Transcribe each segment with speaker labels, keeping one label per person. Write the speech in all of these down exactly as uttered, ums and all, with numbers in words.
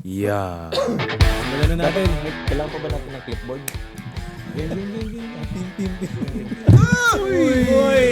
Speaker 1: Yeah.
Speaker 2: Wala na natin.
Speaker 1: Kailangan pa ba natin ng clipboard?
Speaker 2: Game, game, game, game.
Speaker 3: Pim, pim, pim.
Speaker 2: Uy! Uy!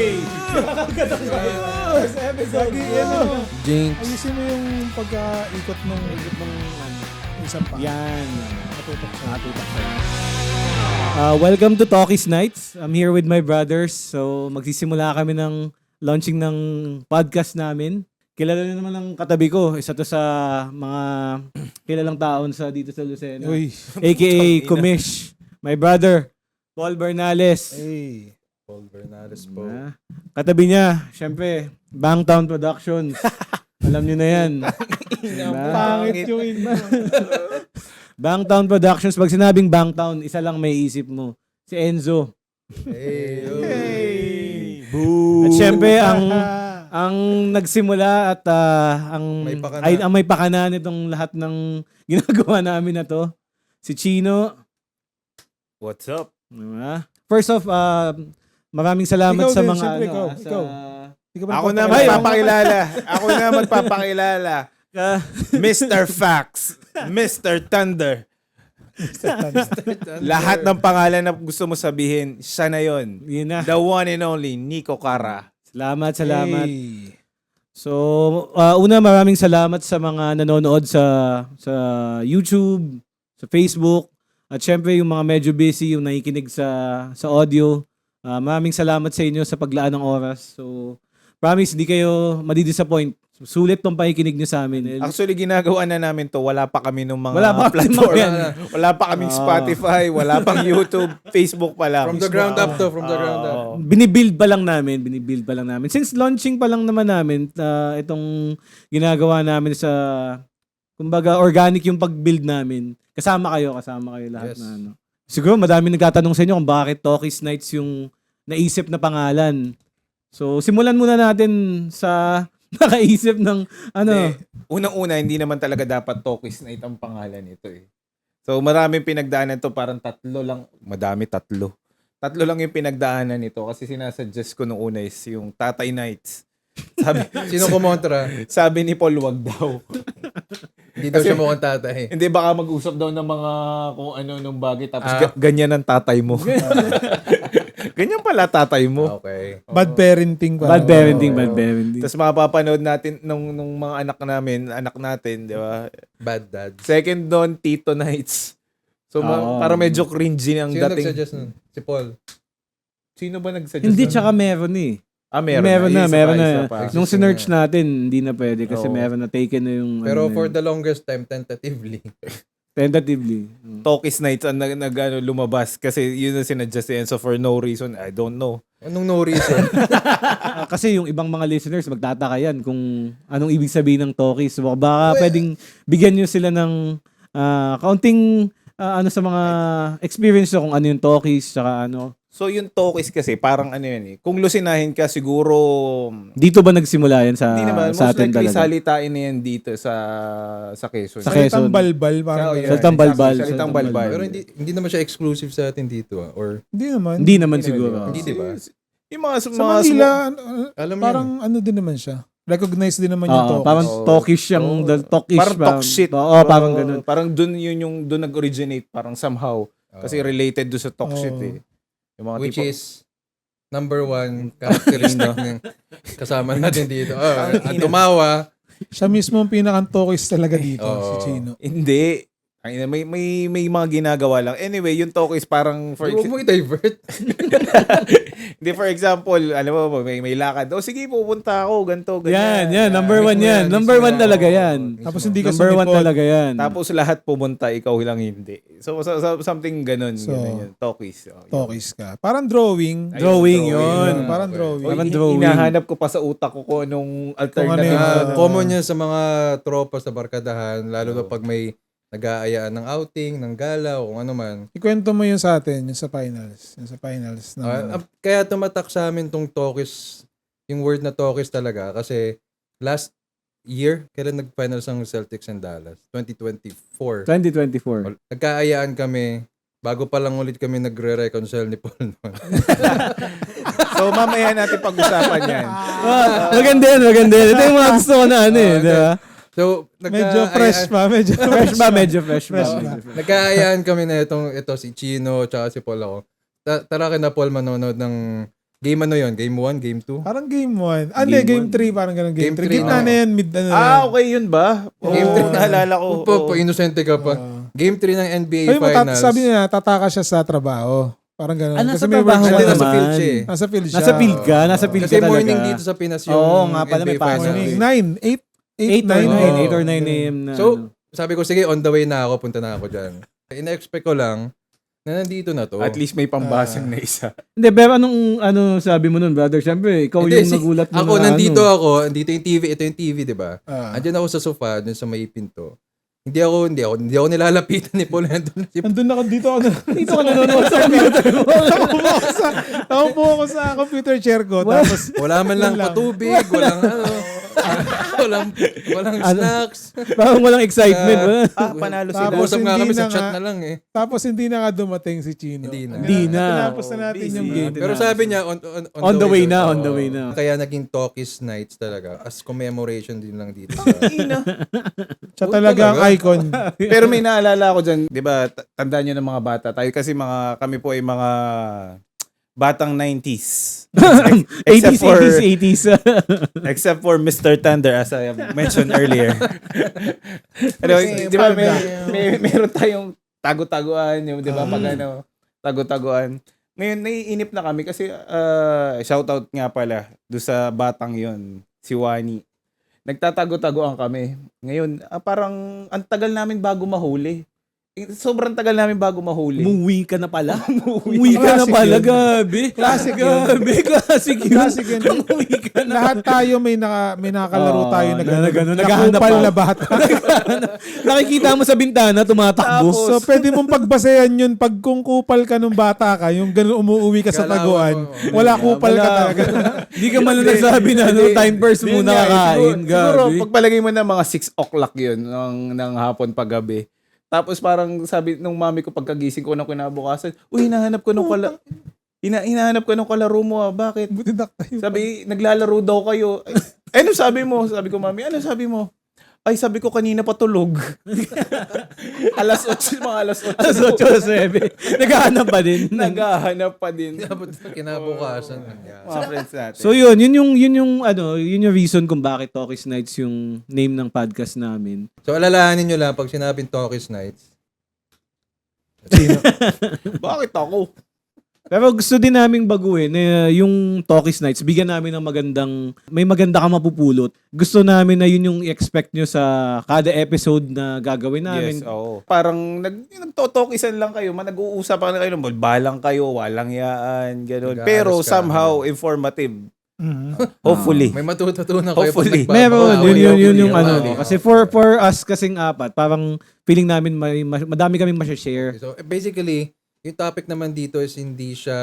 Speaker 2: First episode.
Speaker 1: Jinx.
Speaker 3: Ayusin mo yung pagka-ikot ng ikot ng isang pa.
Speaker 2: Yan.
Speaker 3: Matutok siya.
Speaker 2: Matutok siya. Uh, welcome to Talkies Nights. I'm here with my brothers. So, magsisimula kami ng launching ng podcast namin. Kilala nyo naman ang katabi ko. Isa to sa mga kilalang taon sa dito sa Lucena.
Speaker 3: Uy.
Speaker 2: A K A Kumish. My brother, Paul Bernales.
Speaker 3: Hey.
Speaker 1: Paul Bernales po.
Speaker 2: Ah, katabi niya, syempre, Bangtown Productions. Alam niyo na yan. Diba?
Speaker 3: Pangit yung iba.
Speaker 2: Bangtown Productions. Pag sinabing Bangtown, isa lang may isip mo. Si Enzo.
Speaker 1: Hey.
Speaker 3: Hey.
Speaker 1: Boo.
Speaker 2: At syempre, ang ang nagsimula at ah, ang
Speaker 1: May pakana.
Speaker 2: ay ang may pakana nitong lahat ng ginagawa namin na to, si Chino.
Speaker 1: What's up?
Speaker 2: Diba? First off, ah, maraming salamat
Speaker 3: Ikaw
Speaker 2: sa
Speaker 3: din,
Speaker 2: mga
Speaker 3: syempre,
Speaker 2: ano,
Speaker 3: ikaw,
Speaker 2: ah, sa
Speaker 3: ikaw. Di ka ba
Speaker 1: Ako na
Speaker 3: nagpapakilala?
Speaker 1: magpapakilala. Ako na magpapakilala.
Speaker 2: ka-
Speaker 1: mister Fax. mister Thunder. Lahat ng pangalan na gusto mo sabihin, siya na yun.
Speaker 2: yun na.
Speaker 1: The one and only, Nico Cara.
Speaker 2: Salamat, salamat.
Speaker 3: Hey.
Speaker 2: So, uh, una maraming salamat sa mga nanonood sa sa YouTube, sa Facebook, at syempre yung mga medyo busy, yung nakikinig sa sa audio. Uh, maraming salamat sa inyo sa paglaan ng oras. So, promise, hindi kayo madidisappoint. Sulit tong pakikinig nyo sa amin.
Speaker 1: Actually, ginagawa na namin to. Wala pa kami nung mga
Speaker 2: Wala pa kami
Speaker 1: platform.
Speaker 2: yan.
Speaker 1: Wala pa kaming
Speaker 2: Ah.
Speaker 1: Spotify. Wala pang YouTube. Facebook pa lang.
Speaker 4: From the ground up to, from the ground up.
Speaker 1: Oo.
Speaker 2: Binibuild pa lang namin, binibuild pa lang namin. Since launching pa lang naman namin, uh, itong ginagawa namin sa, kumbaga, organic yung pag-build namin. Kasama kayo, kasama kayo lahat
Speaker 4: Yes.
Speaker 2: na ano. Siguro madami nagtatanong sa inyo kung bakit Talkies Nights yung naisip na pangalan. So, simulan muna natin sa nakaisip ng ano.
Speaker 1: Hindi. Unang-una, hindi naman talaga dapat Talkies Night ang pangalan nito eh. So maraming pinagdaanan to, parang tatlo lang, madami tatlo. Tatlo lang yung pinagdaanan nito kasi sinasuggest ko nung una is yung Tatay Nights. Sabi,
Speaker 4: Sino kumontra?
Speaker 1: sabi ni Paul, wag daw.
Speaker 4: Hindi daw siya mukhang tatay.
Speaker 1: Hindi, baka mag-usap daw ng mga kung ano nung bagay tapos
Speaker 4: Ah.
Speaker 1: ga- ganyan ang tatay mo. Ganyan pala tatay mo.
Speaker 4: Okay.
Speaker 3: Bad parenting pa.
Speaker 2: Bad parenting, bad parenting.
Speaker 1: Tapos mapapanood natin nung, nung mga anak namin, anak natin, di ba?
Speaker 4: Bad dad.
Speaker 1: Second doon, Tito Nights. So, ma-
Speaker 2: Oo.
Speaker 1: parang medyo cringy ang
Speaker 4: Sino
Speaker 1: dating.
Speaker 4: nagsuggest nun? Si Paul.
Speaker 1: Sino ba nagsuggest?
Speaker 2: Hindi,
Speaker 1: nun?
Speaker 2: tsaka meron eh.
Speaker 1: Ah, meron,
Speaker 2: Meron na,
Speaker 1: Isa pa,
Speaker 2: meron
Speaker 1: isa
Speaker 2: na.
Speaker 1: pa.
Speaker 2: Nung sinerch natin, hindi na pwede kasi
Speaker 1: Oo.
Speaker 2: meron na taken na yung
Speaker 4: Pero
Speaker 2: ano na
Speaker 4: for
Speaker 2: yun.
Speaker 4: the longest time, tentatively.
Speaker 2: Tentatively. Mm.
Speaker 1: Talkies Nights ang nag, nag ano, lumabas kasi yun ang sinuggest yan. So for no reason, I don't know.
Speaker 4: Anong no reason?
Speaker 2: Ah, kasi yung ibang mga listeners magtataka yan kung anong ibig sabihin ng talkies. So, baka
Speaker 4: Well,
Speaker 2: pwedeng bigyan nyo sila ng ah, kaunting ah, ano sa mga experience nyo kung ano yung talkies tsaka ano.
Speaker 1: So yung Talkies kasi parang ano yan eh. Kung lusinahin ka siguro
Speaker 2: Dito ba nagsimula yan sa,
Speaker 1: hindi naman,
Speaker 2: sa
Speaker 1: most
Speaker 2: atin
Speaker 1: likely
Speaker 2: talaga?
Speaker 1: salitain na yan dito sa sa Quezon.
Speaker 2: Sa
Speaker 3: Salitang
Speaker 2: Quezon.
Speaker 3: balbal. Parang
Speaker 1: Oh, yeah.
Speaker 2: Salitang balbal.
Speaker 1: Salitang
Speaker 2: Salitang
Speaker 1: balbal.
Speaker 2: balbal.
Speaker 4: Pero hindi hindi naman siya exclusive sa atin dito ah. Or
Speaker 3: Hindi naman.
Speaker 2: Hindi naman
Speaker 1: Hindi
Speaker 2: siguro.
Speaker 1: naman,
Speaker 4: Hindi, di ba?
Speaker 1: Yung mga,
Speaker 3: Sa
Speaker 1: mga
Speaker 3: Manila,
Speaker 1: smo-
Speaker 3: ano,
Speaker 4: alam
Speaker 3: parang ano din naman siya. Recognized din naman yung
Speaker 2: Oo,
Speaker 3: talk.
Speaker 2: parang
Speaker 1: Oo.
Speaker 2: talkish yung
Speaker 1: Oo.
Speaker 2: the talkish.
Speaker 1: parang talk shit.
Speaker 2: Oo, parang ganun.
Speaker 1: Parang dun yun yung dun nag-originate parang somehow. Kasi
Speaker 4: Oo.
Speaker 1: related do sa talk
Speaker 3: Oo.
Speaker 1: shit eh. Yung mga
Speaker 4: which
Speaker 1: tipo,
Speaker 4: is number one characteristic ng kasama natin dito. Oh, at tumawa.
Speaker 3: Siya mismo ang pinakang-talkies talaga dito,
Speaker 4: Oo.
Speaker 3: si Chino.
Speaker 1: hindi. Ang ina, may may may mga ginagawa lang. Anyway, yung talk is parang for
Speaker 4: Huwag
Speaker 1: ex-
Speaker 4: mo i-divert.
Speaker 1: Hindi, for example, alam mo, may, may lakad. O sige, pupunta ako, ganito,
Speaker 2: Yan,
Speaker 1: ganyan.
Speaker 2: yan. Number
Speaker 4: mismo
Speaker 2: one yan.
Speaker 4: yan,
Speaker 2: Number
Speaker 4: mismo
Speaker 2: one
Speaker 4: yan.
Speaker 2: talaga
Speaker 4: Oo,
Speaker 2: yan.
Speaker 4: mismo.
Speaker 3: Tapos hindi ka
Speaker 2: Number one
Speaker 3: sumipot.
Speaker 2: talaga yan.
Speaker 1: Tapos lahat pumunta, ikaw lang hindi. So, so, so something ganun.
Speaker 3: So,
Speaker 1: ganun yun. Talkies. Oh, yun.
Speaker 3: Talkies ka. Parang drawing.
Speaker 1: Ayun,
Speaker 2: Drawing
Speaker 1: drawing.
Speaker 2: yun.
Speaker 3: Yun, parang
Speaker 4: Okay.
Speaker 3: drawing.
Speaker 1: Oy,
Speaker 2: Parang
Speaker 1: hi-
Speaker 2: drawing.
Speaker 1: Hinahanap ko pa sa utak ko kung anong alternative.
Speaker 3: yung-
Speaker 4: Ah,
Speaker 3: Ah.
Speaker 4: common yan sa mga tropa sa barkadahan, lalo na pag may nag-aayaan ng outing, ng gala, o kung ano man.
Speaker 3: Ikwento mo yun sa atin, yung sa finals. Yung sa finals. Na,
Speaker 4: Ah, ah, kaya tumatak sa amin tong talkies, yung word na talkies talaga, kasi last year, kailan nag-finals ang Celtics and Dallas? twenty twenty-four.
Speaker 2: twenty twenty-four.
Speaker 4: Nagkaayaan kami, bago pa lang ulit kami nagre-reconcile ni Paul noon.
Speaker 1: So, mamaya natin pag-usapan yan.
Speaker 2: Ah, maganda yan, maganda yan. Ito yung mga gusto ko na ano eh, di ba?
Speaker 4: So, nagka-
Speaker 3: Medyo fresh
Speaker 4: ay-
Speaker 3: pa, medyo
Speaker 2: Fresh ba? Medyo fresh ba?
Speaker 3: Fresh ba?
Speaker 2: Medyo fresh.
Speaker 4: Nagkaayaan kami na itong, ito si Chino, tsaka si Paul ako. Ta- tara kina Paul manonood ng game ano yon Game one, Game two?
Speaker 3: Parang game one. Ah, hindi,
Speaker 1: Game
Speaker 3: game three. Parang ganun. Game
Speaker 4: Game
Speaker 3: three.
Speaker 4: three,
Speaker 3: Gitna
Speaker 4: oo.
Speaker 3: na yan. Mid, ano
Speaker 1: Ah, okay yun ba?
Speaker 4: Game
Speaker 1: Oo,
Speaker 4: three.
Speaker 1: naalala ko.
Speaker 4: Pa,
Speaker 1: oo.
Speaker 4: pa, inosente ka pa. Game three ng N B A
Speaker 3: Ay, matat-
Speaker 4: Finals.
Speaker 3: sabi niya, tataka siya sa trabaho. Parang ganun.
Speaker 2: Ah, nasa
Speaker 3: may
Speaker 2: trabaho
Speaker 3: workshop.
Speaker 4: Hindi,
Speaker 2: ka
Speaker 4: nasa
Speaker 2: naman.
Speaker 4: field siya eh.
Speaker 3: Nasa field siya.
Speaker 2: Nasa field ka, nasa field
Speaker 4: Kasi
Speaker 2: ka talaga.
Speaker 4: morning dito sa Pinas yung
Speaker 2: Oo, nga pala,
Speaker 4: N B A
Speaker 2: may pasok.
Speaker 4: Finals.
Speaker 3: Morning.
Speaker 2: eh.
Speaker 3: Nine. Eight. Eight,
Speaker 2: eight or
Speaker 3: nine.
Speaker 2: nine,
Speaker 3: Oo.
Speaker 2: eight or nine a m na.
Speaker 4: So, sabi ko, sige, on the way na ako, punta na ako dyan. Ina-expect ko lang na nandito na to.
Speaker 1: At least may pambasang na isa.
Speaker 2: Hindi, pero anong ano sabi mo nun, brother? Siyempre, ikaw
Speaker 4: Hindi,
Speaker 2: yung
Speaker 4: si-
Speaker 2: nagulat mo
Speaker 4: Ako,
Speaker 2: na
Speaker 4: nandito
Speaker 2: ano.
Speaker 4: ako, nandito yung T V, ito yung T V, di ba?
Speaker 3: Ah.
Speaker 4: Andyan ako sa sofa, dun sa may pinto. Hindi ako, hindi ako, hindi ako nilalapitan ni Paul. Nandun si
Speaker 3: Nandun ako dito ako.
Speaker 2: Dito ka nanonood sa computer mo.
Speaker 3: Nakaupo ako sa, nakaupo ako sa computer chair ko. Tapos,
Speaker 4: wala man lang
Speaker 3: Wala lang.
Speaker 4: patubig, walang ano, walang, walang
Speaker 2: Ano?
Speaker 4: snacks.
Speaker 2: Parang walang excitement.
Speaker 4: Ah,
Speaker 2: wala.
Speaker 1: Ah, panalo sila.
Speaker 3: Tapos
Speaker 4: Usap nga
Speaker 3: hindi
Speaker 4: kami sa
Speaker 3: na
Speaker 4: chat
Speaker 3: nga.
Speaker 4: na lang eh.
Speaker 3: tapos hindi na nga dumating si Chino.
Speaker 4: Hindi na.
Speaker 2: Hindi na.
Speaker 3: Tinapos na natin
Speaker 1: Busy.
Speaker 3: yung game.
Speaker 2: Hindi
Speaker 4: Pero
Speaker 2: na.
Speaker 4: sabi niya, on, on,
Speaker 2: On the way na,
Speaker 4: daw.
Speaker 2: on the way
Speaker 4: Oo.
Speaker 2: na.
Speaker 4: Kaya naging Talkies Nights talaga. As commemoration din lang dito sa...
Speaker 3: Siya
Speaker 4: Oo,
Speaker 3: talaga ang
Speaker 4: talaga.
Speaker 3: icon.
Speaker 1: Pero may naalala ako dyan, di ba, t- tandaan nyo ng mga bata tayo kasi mga, kami po ay mga batang nineties.
Speaker 2: eighties,
Speaker 1: for-
Speaker 2: eighties, eighties.
Speaker 1: Except for Mister Thunder as I have mentioned earlier. Anyway, di ba, may, may, meron tayong tago-taguan, yung, di ba, pag ano, tago-taguan. Ngayon, naiinip na kami kasi, uh, shoutout nga pala, do sa batang yon si Wani. Nagtatago-taguan kami. Ngayon, ah, parang, ang tagal namin bago mahuli. Eh, Sobrang tagal namin bago mahuli.
Speaker 2: Umuwi ka na pala.
Speaker 1: Umuwi.
Speaker 2: Umuwi ka na
Speaker 3: Classic
Speaker 2: pala,
Speaker 3: yun.
Speaker 2: gabi.
Speaker 3: Classic yun.
Speaker 2: Gabi, classic yun.
Speaker 3: Classic yun.
Speaker 2: Umuwi ka na.
Speaker 3: Lahat tayo may naka may nakakalaro
Speaker 2: Oo,
Speaker 3: tayo na
Speaker 2: na-
Speaker 3: gano'n.
Speaker 2: na gano'n, naghahanap
Speaker 3: Nakupal
Speaker 2: pa.
Speaker 3: na bata.
Speaker 2: Nakikita mo sa bintana, tumatakbo.
Speaker 1: Tapos,
Speaker 3: So pwede mong pagbasehan yun pag kung kupal ka nung bata ka, yung gano'n umuwi ka sa
Speaker 4: Kala mo,
Speaker 3: taguan,
Speaker 4: oo.
Speaker 3: wala kupal ka
Speaker 2: Wala.
Speaker 3: talaga.
Speaker 2: Hindi ka man lang nagsabi na ano, time first
Speaker 1: Yun
Speaker 2: muna
Speaker 1: nga eh,
Speaker 2: kakain.
Speaker 1: Siguro, siguro
Speaker 2: Gabi.
Speaker 1: pagpalagay mo na mga six o'clock yun ng, ng hapon paggabi. Tapos parang sabi nung mami ko pagkagising ko ng kinabukasan, uy, hinahanap ko nung kala... Hina, hinahanap ko nung kalaro mo ah. Bakit?
Speaker 3: Butidak tayo.
Speaker 1: Sabi, naglalaro daw kayo. Ay, ano sabi mo? Sabi ko, mami, ano sabi mo? Ay, sabi ko kanina patulog. alas otso, mga alas otso.
Speaker 2: Alas eight, alas nine. Naghahanap pa din.
Speaker 1: Naghahanap pa din.
Speaker 4: Abot na kinabukasan.
Speaker 1: Mga friends natin.
Speaker 2: So yun, yun yung yun yung ano, yun yung reason kung bakit Talkies Nights yung name ng podcast namin.
Speaker 4: So, alalahanin nyo lang, pag sinabing Talkies Nights,
Speaker 1: Bakit ako?
Speaker 2: Pero gusto din naming baguhin na yung Talkies Nights, bigyan namin ng magandang, may maganda ka mapupulot. Gusto namin na yun yung i-expect nyo sa kada episode na gagawin namin.
Speaker 1: Yes, oo. Parang nag, nagtotokisan lang kayo, man, nag-uusapan kayo, balang kayo, walang yaan, gano'n.
Speaker 4: Nag-aaras
Speaker 1: Pero
Speaker 4: ka.
Speaker 1: somehow informative.
Speaker 3: Mhm.
Speaker 1: Hopefully.
Speaker 4: may matututunan kayo
Speaker 1: Hopefully.
Speaker 4: pag
Speaker 2: Meron,
Speaker 4: nagbabawi.
Speaker 2: yun, yun, yun yung
Speaker 4: Hopefully.
Speaker 2: ano. Kasi for for us kasing apat, parang feeling namin may, mas- madami kaming masya-share.
Speaker 4: So, basically, yung topic naman dito is hindi siya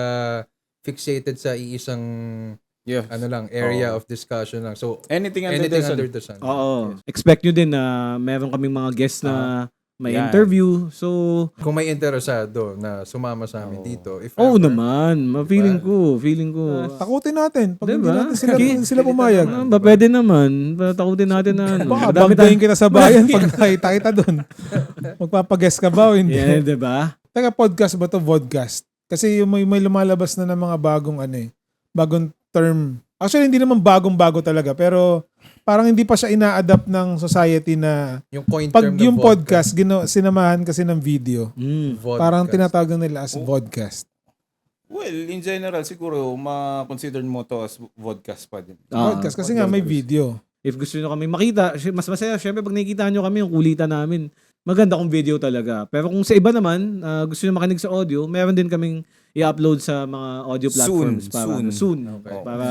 Speaker 4: fixated sa iisang
Speaker 1: Yeah.
Speaker 4: ano lang, area
Speaker 1: Oo.
Speaker 4: of discussion lang. So,
Speaker 1: Anything under
Speaker 4: anything
Speaker 1: the sun.
Speaker 4: under the sun.
Speaker 2: Oo. Expect nyo din na meron kaming mga guests na may
Speaker 1: Yan.
Speaker 2: interview. So,
Speaker 4: Kung may interesado na sumama sa amin
Speaker 1: Oo.
Speaker 4: dito, if
Speaker 2: oo
Speaker 4: ever,
Speaker 2: naman. Ma-feeling ko, feeling ko.
Speaker 3: Takutin natin. Pag hindi
Speaker 2: Diba?
Speaker 3: natin sila,
Speaker 2: Okay.
Speaker 3: sila pumayag.
Speaker 2: Ah, ba, pwede naman. Ba, takutin natin na ano.
Speaker 3: Baka
Speaker 2: Madami
Speaker 3: banggayin
Speaker 2: tayong...
Speaker 3: kita sa bayan pag nakita kita doon. Magpapaguess ka ba o hindi?
Speaker 2: Yeah, diba?
Speaker 3: Teka, podcast ba to? Vodcast. Kasi yung may, may lumalabas na ng mga bagong ano eh, bagong term. Actually, hindi naman bagong-bago talaga, pero parang hindi pa siya ina-adapt ng society na
Speaker 4: yung coin
Speaker 3: pag
Speaker 4: term ng
Speaker 3: yung
Speaker 4: vodka,
Speaker 3: podcast, gino, sinamahan kasi ng video.
Speaker 2: Mm.
Speaker 4: vodcast.
Speaker 3: Parang tinatawag na nila as vodcast.
Speaker 1: Well, in general, siguro, ma-consider mo to as vodcast pa din.
Speaker 2: Ah.
Speaker 3: Podcast kasi nga may video.
Speaker 2: If gusto nyo kami makita, sy- mas masaya. Siyempre, pag nakikita nyo kami, yung kulitan namin, maganda kong video talaga. Pero kung sa iba naman, ah, gusto nyo makinig sa audio, meron din kaming i-upload sa mga audio
Speaker 1: Soon,
Speaker 2: platforms. para,
Speaker 1: soon.
Speaker 2: Soon.
Speaker 4: Okay.
Speaker 2: Para,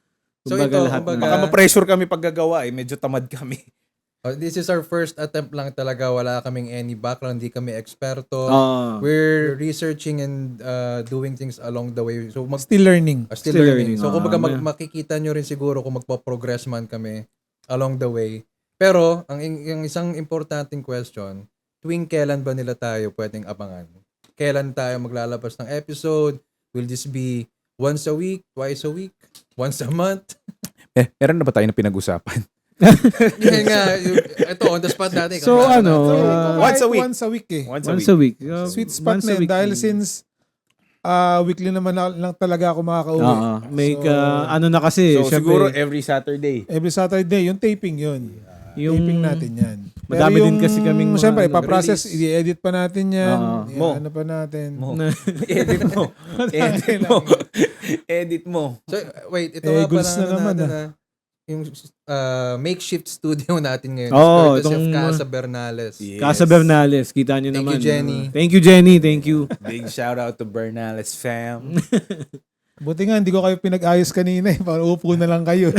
Speaker 4: So
Speaker 2: kumbaga
Speaker 4: ito,
Speaker 2: lahat
Speaker 4: kumbaga-
Speaker 2: na.
Speaker 1: Baka ma-pressure kami paggagawa eh. Medyo tamad kami.
Speaker 4: Oh, this is our first attempt lang talaga. Wala kaming any background. Hindi kami eksperto.
Speaker 2: Ah.
Speaker 4: We're researching and uh, doing things along the way. So, mag,
Speaker 3: Still learning.
Speaker 4: uh, still,
Speaker 2: Still
Speaker 4: learning.
Speaker 2: learning.
Speaker 4: So, kumbaga,
Speaker 2: Ah,
Speaker 4: mag,
Speaker 2: may-
Speaker 4: makikita nyo rin siguro kung magpo-progress man kami along the way. Pero, ang, yung isang importanteng question, tuwing kailan ba nila tayo pwedeng abangan? Kailan tayo maglalabas ng episode? Will this be once a week? Twice a week? Once a month?
Speaker 1: Eh, meron na ba tayo na pinag-usapan?
Speaker 4: Yan nga, yung, ito, on the spot natin.
Speaker 2: So,
Speaker 4: Kaya-
Speaker 2: ano,
Speaker 3: So,
Speaker 2: uh,
Speaker 3: kahit
Speaker 1: once a week.
Speaker 3: Once a week eh.
Speaker 1: Once a
Speaker 2: Once
Speaker 1: week.
Speaker 2: a week. Uh,
Speaker 3: Sweet spot
Speaker 2: once
Speaker 3: na
Speaker 2: a
Speaker 3: yun.
Speaker 2: week.
Speaker 3: Dahil since ah weekly naman na, lang talaga ako makakauwi.
Speaker 2: Oo. May
Speaker 3: So,
Speaker 2: ka- ano na kasi,
Speaker 1: So,
Speaker 2: syempre,
Speaker 1: siguro every Saturday.
Speaker 3: Every Saturday, yung taping yun.
Speaker 2: yung,
Speaker 3: Taping natin yan.
Speaker 2: Madami din kasi kaming mga
Speaker 3: Siyempre,
Speaker 2: ano,
Speaker 3: ipaprocess,
Speaker 4: release.
Speaker 3: i-edit pa natin yan.
Speaker 2: Oo.
Speaker 1: Mo.
Speaker 3: Ano pa natin.
Speaker 1: Mo. Edit mo. Edit mo. Edit mo.
Speaker 4: So, wait, ito
Speaker 3: Eh,
Speaker 4: nga
Speaker 3: goals
Speaker 4: pala
Speaker 3: na
Speaker 4: ano
Speaker 3: naman,
Speaker 4: natin, ah. Yung uh, makeshift studio natin ngayon.
Speaker 2: Oo,
Speaker 4: Courtesy of
Speaker 2: itong-
Speaker 4: Casa Bernales.
Speaker 1: Yes.
Speaker 2: Casa Bernales, kita nyo
Speaker 4: Thank
Speaker 2: naman.
Speaker 4: you, Jenny.
Speaker 2: Uh, thank you, Jenny. Thank you.
Speaker 1: Big shout out to Bernales fam.
Speaker 3: Buti nga, hindi ko kayo pinag-ayos kanina eh. Para upo na lang kayo.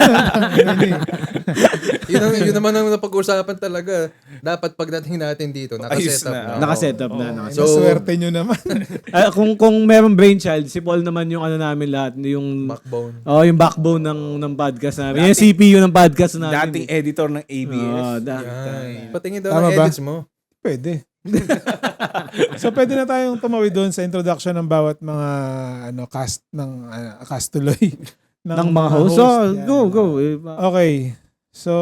Speaker 4: yun, ang, yun naman ang napag-usapan talaga. Dapat pagdating natin dito,
Speaker 1: Ayos
Speaker 4: nakaset up
Speaker 1: na.
Speaker 4: na.
Speaker 2: Nakaset up na.
Speaker 1: Oo.
Speaker 2: nakaset
Speaker 4: So-
Speaker 3: So, swerte nyo naman.
Speaker 2: Ah, kung kung merong brainchild, si Paul naman yung ano namin lahat, yung
Speaker 4: Backbone.
Speaker 2: oh, yung backbone ng ng podcast namin. Yung C P U ng podcast namin.
Speaker 1: Dating editor ng A B S.
Speaker 2: Oh, da-
Speaker 4: Yan. Patingin daw
Speaker 3: Tama
Speaker 4: ng
Speaker 3: ba?
Speaker 4: edits mo.
Speaker 3: Pwede. So, pwede na tayong tumawid doon sa introduction ng bawat mga ano cast ng ah, cast tuloy.
Speaker 2: ng mga host. So,
Speaker 3: Yan.
Speaker 2: go, go. Eh,
Speaker 3: Okay. So,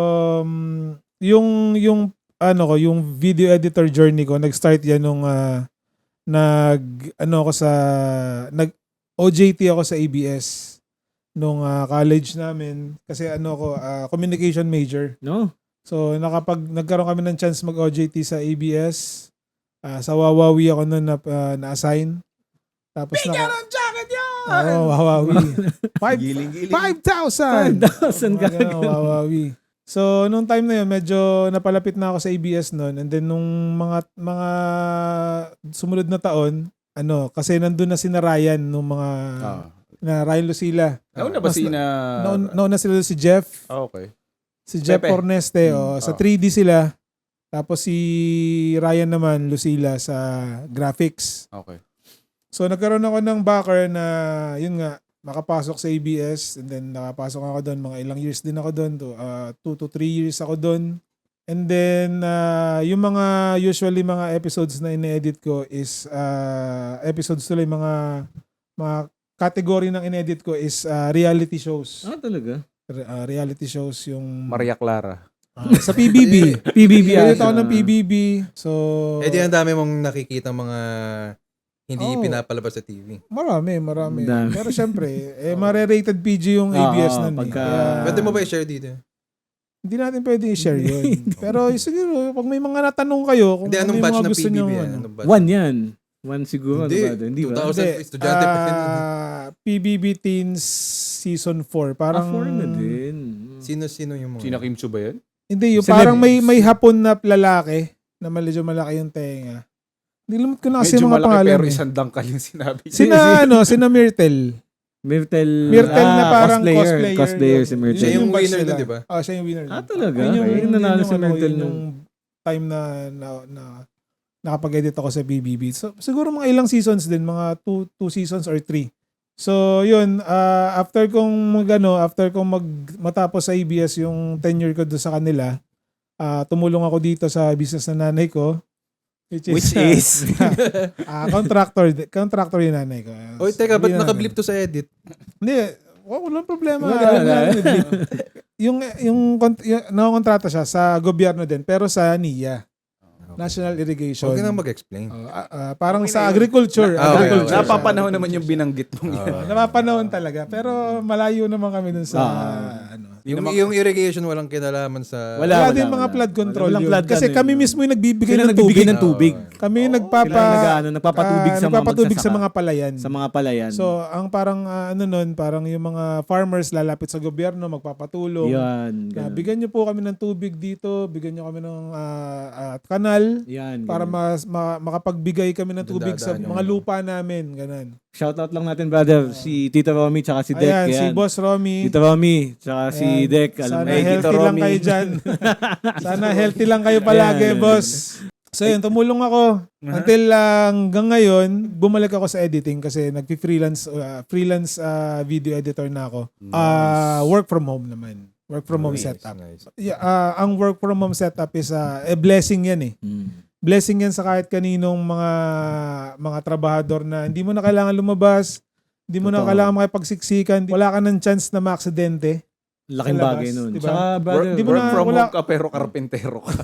Speaker 3: um, yung, yung, ano ko, yung video editor journey ko, nag-start yan nung, ah, nag, ano ako sa, nag, O J T ako sa A B S nung ah, college namin. Kasi ano ko, ah, communication major.
Speaker 2: No.
Speaker 3: So, nakapag, nagkaroon kami ng chance mag-O J T sa A B S. Ah, sa Wawawi ako nun na, ah, na-assign. Tapos naka...
Speaker 1: ng jacket yan!
Speaker 3: Oo, Wawawi. Five,
Speaker 1: Giling-giling.
Speaker 3: five thousand!
Speaker 2: five thousand
Speaker 3: Mga
Speaker 2: ka.
Speaker 3: ganun, Wawawi. So, nung time na yun, medyo napalapit na ako sa A B S noon. And then, nung mga mga sumunod na taon, ano, kasi nandun na si na Ryan, nung mga,
Speaker 1: Ah.
Speaker 3: na Ryan Lucila.
Speaker 1: Nauna ba
Speaker 3: Mas
Speaker 1: si na...
Speaker 3: Nauna nauna sila si Jeff.
Speaker 1: Ah, okay.
Speaker 3: Si Jeff
Speaker 1: Pepe.
Speaker 3: Orneste,
Speaker 1: Hmm,
Speaker 3: oh, sa
Speaker 1: oh.
Speaker 3: three D sila. Tapos si Ryan naman, Lucila, sa graphics.
Speaker 1: Okay.
Speaker 3: So, nagkaroon ako ng backer na, yun nga, makapasok sa A B S. And then, nakapasok ako doon. Mga ilang years din ako doon. To, uh, two to three years ako doon. And then, uh, yung mga, usually mga episodes na ine-edit ko is, uh, episodes tuloy, mga, mga category ng ine-edit ko is uh, reality shows.
Speaker 2: Ah, talaga?
Speaker 3: Re- uh, reality shows yung...
Speaker 1: Maria Clara.
Speaker 3: Ah, sa P B B.
Speaker 2: P B B.
Speaker 3: Edit ako
Speaker 2: ata.
Speaker 3: ng P B B. So,
Speaker 4: Eh di ang dami mong nakikita mga hindi
Speaker 3: Oh.
Speaker 4: pinapalabas sa T V.
Speaker 3: marami, marami.
Speaker 2: Dami.
Speaker 3: Pero syempre, eh, mare-rated P G yung A B S
Speaker 2: Oo,
Speaker 3: nun. eh.
Speaker 2: pagka-
Speaker 3: Kaya,
Speaker 4: Pwede mo ba i-share dito?
Speaker 3: hindi natin pwede i-share yun. Pero siguro, pag may mga natanong kayo, kung
Speaker 4: Hindi,
Speaker 3: ano
Speaker 4: anong
Speaker 3: yung
Speaker 4: batch
Speaker 3: mga
Speaker 4: ng
Speaker 3: gusto
Speaker 4: P B B?
Speaker 3: nyo,
Speaker 4: yan?
Speaker 3: ano.
Speaker 4: Anong batch?
Speaker 2: One yan. One siguro.
Speaker 4: Hindi.
Speaker 2: Ano ba? Hindi ba?
Speaker 4: two thousand
Speaker 3: Hindi,
Speaker 4: estudyante pa yun.
Speaker 3: ah, P B B Teens Season four.
Speaker 2: Ah,
Speaker 3: Parang,
Speaker 2: four na din.
Speaker 4: Sino-sino yung mga...
Speaker 1: Sina Kim Chu ba yun?
Speaker 3: hindi, yung
Speaker 2: Celeb.
Speaker 3: parang may may hapon na lalaki na medyo malaki yung tenga. Nilimot ko na kasi
Speaker 1: Medyo
Speaker 3: yung mga
Speaker 1: malaki
Speaker 3: pangalan.
Speaker 1: pero
Speaker 3: eh.
Speaker 1: isang dangkal yung sinabi.
Speaker 3: Sina, ano, sina Myrtle.
Speaker 2: Myrtle.
Speaker 3: Myrtle
Speaker 2: ah,
Speaker 3: na parang
Speaker 2: cosplayer.
Speaker 3: cosplayer.
Speaker 2: Cosplayer si
Speaker 3: Yun.
Speaker 2: Myrtle.
Speaker 4: Siya yung
Speaker 3: batch
Speaker 4: winner
Speaker 3: nila.
Speaker 4: dun, di ba?
Speaker 3: Ah, siya yung winner.
Speaker 2: Ah,
Speaker 3: dun.
Speaker 2: talaga?
Speaker 3: Yun yung,
Speaker 2: Ay,
Speaker 3: yun
Speaker 2: nanalo
Speaker 3: yung
Speaker 2: si
Speaker 3: ano,
Speaker 2: Myrtle
Speaker 3: yun
Speaker 2: nung...
Speaker 3: yung time na, na, na nakapag-edit ako sa B B B. So, siguro mga ilang seasons din, mga two, two seasons or three. So, yun, ah, after kong mag, ano, after kong mag, matapos sa A B S yung tenure ko doon sa kanila, ah, tumulong ako dito sa business na nanay ko. Which is,
Speaker 1: Which is?
Speaker 3: ah, contractor, contractor yung nanay ko.
Speaker 4: Oy, teka, ba't
Speaker 3: Sabihin natin.
Speaker 4: nakablip to sa edit?
Speaker 3: Hindi, oh, walang problema.
Speaker 2: Wala,
Speaker 3: Alam
Speaker 2: wala.
Speaker 3: namin, blip. yung, yung, kont- yung, nakakontrata siya sa gobyerno din, pero sa N I A, National Irrigation.
Speaker 4: Huwag ka nang mag-explain.
Speaker 3: Oh, ah, ah, parang
Speaker 1: Okay
Speaker 3: sa
Speaker 1: na yun.
Speaker 3: agriculture.
Speaker 4: Na- ah, okay,
Speaker 3: agriculture.
Speaker 4: okay.
Speaker 1: Napapanahon naman yung binanggit mong yan.
Speaker 3: Oh, napapanahon talaga. Pero malayo naman kami dun sa,
Speaker 2: Ah.
Speaker 3: ano.
Speaker 4: Yung,
Speaker 1: naman-
Speaker 4: yung irrigation walang kinalaman sa...
Speaker 3: Wala,
Speaker 2: Wala,
Speaker 3: din
Speaker 2: wala,
Speaker 3: mga
Speaker 2: wala.
Speaker 3: flood control
Speaker 2: Walang
Speaker 3: yun.
Speaker 2: flood
Speaker 3: Kasi
Speaker 2: ano
Speaker 3: kami
Speaker 2: yun.
Speaker 3: mismo yung nagbibigay
Speaker 2: Sila
Speaker 3: ng
Speaker 2: nagbibigay
Speaker 3: tubig.
Speaker 2: ng tubig.
Speaker 3: Kami yung
Speaker 2: Sila
Speaker 3: nagpapa,
Speaker 2: nag, ano, nagpapatubig
Speaker 3: ah,
Speaker 2: sa mga
Speaker 3: nagpapatubig sa
Speaker 2: magsasaka.
Speaker 3: mga palayan.
Speaker 2: Sa mga palayan.
Speaker 3: So, ang parang ah, ano nun, parang yung mga farmers lalapit sa gobyerno, magpapatulong.
Speaker 2: yan.
Speaker 3: Na,
Speaker 2: ganun.
Speaker 3: bigyan niyo po kami ng tubig dito, bigyan niyo kami ng ah, ah, kanal
Speaker 2: Yan.
Speaker 3: para
Speaker 2: ganun.
Speaker 3: mas ma- makapagbigay kami ng tubig sa
Speaker 4: Dadaan yung
Speaker 3: mga
Speaker 4: ano.
Speaker 3: lupa namin, ganun.
Speaker 2: Shoutout lang natin, brother. Si Tita Romy tsaka si Dek.
Speaker 3: Ayan, si
Speaker 2: yan.
Speaker 3: Boss Romy.
Speaker 2: Tita Romy tsaka si
Speaker 3: Ayan.
Speaker 2: Dek. Alam
Speaker 3: Sana
Speaker 2: mo.
Speaker 1: Hey, Tito
Speaker 3: healthy lang
Speaker 1: Romy.
Speaker 3: kayo dyan. Sana healthy lang kayo palagi,
Speaker 2: Ayan.
Speaker 3: boss. So yun, tumulong ako. Until ah, hanggang ngayon, bumalik ako sa editing kasi nag-freelance uh, freelance ah, video editor na ako. Ah, work from home naman. Work from home
Speaker 4: Nice,
Speaker 3: setup.
Speaker 4: nice.
Speaker 3: Yeah, ah, ang work from home setup is ah, a blessing yan eh.
Speaker 2: Mm.
Speaker 3: Blessing yan sa kahit kaninong mga mga trabahador na hindi mo na kailangan lumabas, hindi mo na
Speaker 2: Totoo.
Speaker 3: kailangan makipagsiksikan, wala ka ng chance na maaksidente.
Speaker 2: Laking
Speaker 3: Sa labas,
Speaker 2: bagay nun.
Speaker 3: diba?
Speaker 2: Tsaka,
Speaker 1: Work,
Speaker 2: brother,
Speaker 3: Di mo
Speaker 1: work
Speaker 3: na-
Speaker 1: from
Speaker 3: wala-
Speaker 1: home ka pero karpentero ka.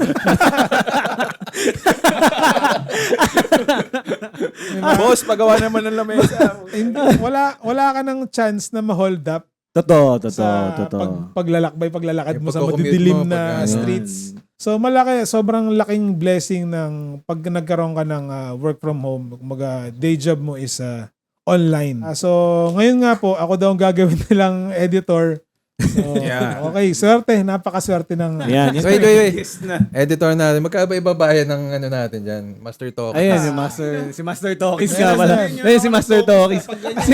Speaker 1: Boss, pagawa naman ng lamesa.
Speaker 3: Hindi, wala wala ka ng chance na ma-hold up
Speaker 2: totoo, totoo,
Speaker 3: sa
Speaker 2: totoo.
Speaker 3: pag, paglalakbay, paglalakad
Speaker 4: Yung
Speaker 3: mo sa
Speaker 4: pagko-commute
Speaker 3: madidilim
Speaker 4: mo,
Speaker 3: na
Speaker 4: pag ano.
Speaker 3: streets. So malaki, sobrang laking blessing ng pag nagkaroon ka ng ah, work from home, kumbaga day job mo is ah, online. Ah, so ngayon nga po, ako daw ang gagawin nilang editor. So,
Speaker 1: Yeah.
Speaker 3: Okay, swerte, napakaswerte ng
Speaker 2: Ayan, yan.
Speaker 4: Wait, wait, wait.
Speaker 1: Yes na.
Speaker 4: Editor natin. Magkaiba-iba bayan ng ano natin dyan. Master Talk.
Speaker 2: Ayan, si Master, si Master Tokis nga
Speaker 3: Yes,
Speaker 2: pala.
Speaker 3: yan.
Speaker 2: Ayun, si Master Tokis.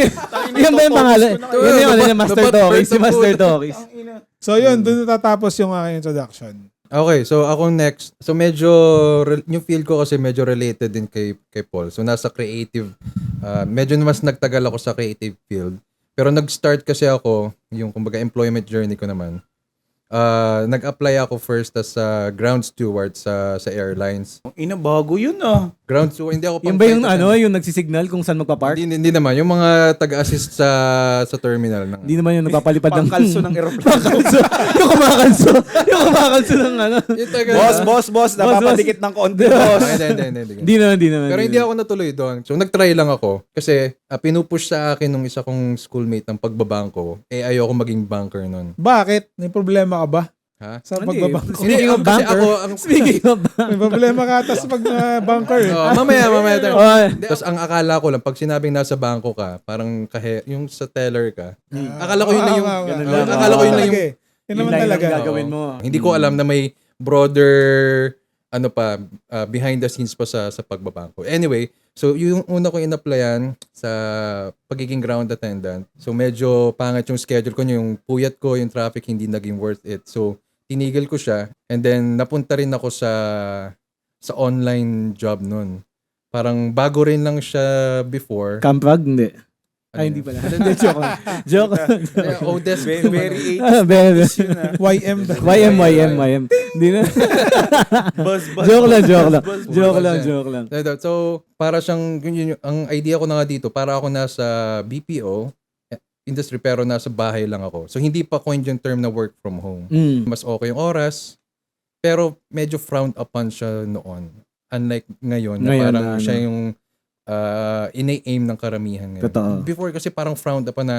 Speaker 2: Yan ba yung pangalan? Yun yung ano niya, Master Tokis, si Master Tokis.
Speaker 3: So yun, doon natatapos yung aking introduction.
Speaker 4: Okay, so ako next. So medyo, re- yung field ko kasi medyo related din kay, kay Paul. So nasa creative, uh, medyo mas nagtagal ako sa creative field. Pero nag-start kasi ako, yung kumbaga employment journey ko naman. Uh, nag-apply ako first as a ground steward sa sa airlines.
Speaker 1: Ang ina, bago yun ah.
Speaker 4: Ground steward, hindi ako
Speaker 2: Yung ba yung
Speaker 4: pang-
Speaker 2: ano, yung nagsisignal kung saan magpa-park?
Speaker 4: Hindi, hindi naman. Yung mga taga-assist sa sa terminal. Ng,
Speaker 2: Hindi naman yung nagpapalipad ng...
Speaker 1: Pangkalso ng aeroplano.
Speaker 2: Pangkalso. Yung kumakalso. Yung kumakalso ng ano.
Speaker 4: yung taga,
Speaker 1: boss, boss, boss, napapadikit ng konti,
Speaker 4: Ah,
Speaker 1: boss.
Speaker 4: hindi, hindi, hindi, hindi.
Speaker 2: Hindi naman, hindi naman.
Speaker 4: Pero hindi ako natuloy doon. So, nag-try lang ako. Kasi, uh, pinupush sa akin nung isa kong schoolmate ng pagbabangko. Eh, ayoko maging banker nun.
Speaker 3: Bakit? May problema ka ba
Speaker 4: Ha?
Speaker 3: sa
Speaker 2: Hindi.
Speaker 3: pagbabangko?
Speaker 2: Speaking of
Speaker 4: Kasi
Speaker 2: banker,
Speaker 4: ako, ang,
Speaker 2: speaking of
Speaker 3: May problema ka ata sa pag-banker. eh.
Speaker 4: Oh, mamaya, mamaya. tayo.
Speaker 2: Oh,
Speaker 4: Tapos, ang akala ko lang, pag sinabing nasa bangko ka, parang kahe, yung sa teller ka, akala ko yun na yung,
Speaker 3: Ah, ah, ah,
Speaker 2: ganun
Speaker 3: ah,
Speaker 2: lang.
Speaker 3: ah,
Speaker 4: akala ko yun na
Speaker 3: talaga
Speaker 4: yung,
Speaker 3: eh. Yun naman
Speaker 2: line ang
Speaker 3: talaga.
Speaker 2: gagawin mo.
Speaker 4: hindi ko alam na may broader ano pa uh, behind the scenes pa sa sa pagbabangko. Anyway, so yung una ko in-applyan sa pagiging ground attendant. So medyo pangit yung schedule ko, yung puyat ko, yung traffic hindi naging worth it. So tinigil ko siya and then napunta rin ako sa sa online job nun. Parang bago rin lang siya before.
Speaker 2: Campag? Hindi.
Speaker 4: Ano
Speaker 2: Ay,
Speaker 4: yun?
Speaker 2: hindi pala. Hindi, joke lang. Joke lang.
Speaker 4: Eh, Odesk.
Speaker 1: Very, very
Speaker 2: Ah, very.
Speaker 1: eighties yun ah.
Speaker 3: Y M.
Speaker 2: Y M, Y M, Y M. Hindi na.
Speaker 1: Buzz, buzz,
Speaker 2: Joke lang,
Speaker 1: buzz,
Speaker 2: joke lang.
Speaker 1: buzz, buzz.
Speaker 2: Joke
Speaker 4: buzz
Speaker 2: lang,
Speaker 4: yan.
Speaker 2: joke lang.
Speaker 4: So, para siyang, yun, yun, ang idea ko na nga dito, para ako nasa B P O eh, industry pero nasa bahay lang ako. So, hindi pa coined yung term na work from home.
Speaker 2: Mm.
Speaker 4: Mas okay yung oras, pero medyo frowned upon siya noon. Unlike ngayon, na
Speaker 2: Ngayon
Speaker 4: parang
Speaker 2: na,
Speaker 4: siya
Speaker 2: ano.
Speaker 4: yung uh, ina-aim ng karamihan ngayon.
Speaker 2: Totoo.
Speaker 4: Before kasi parang frowned upon na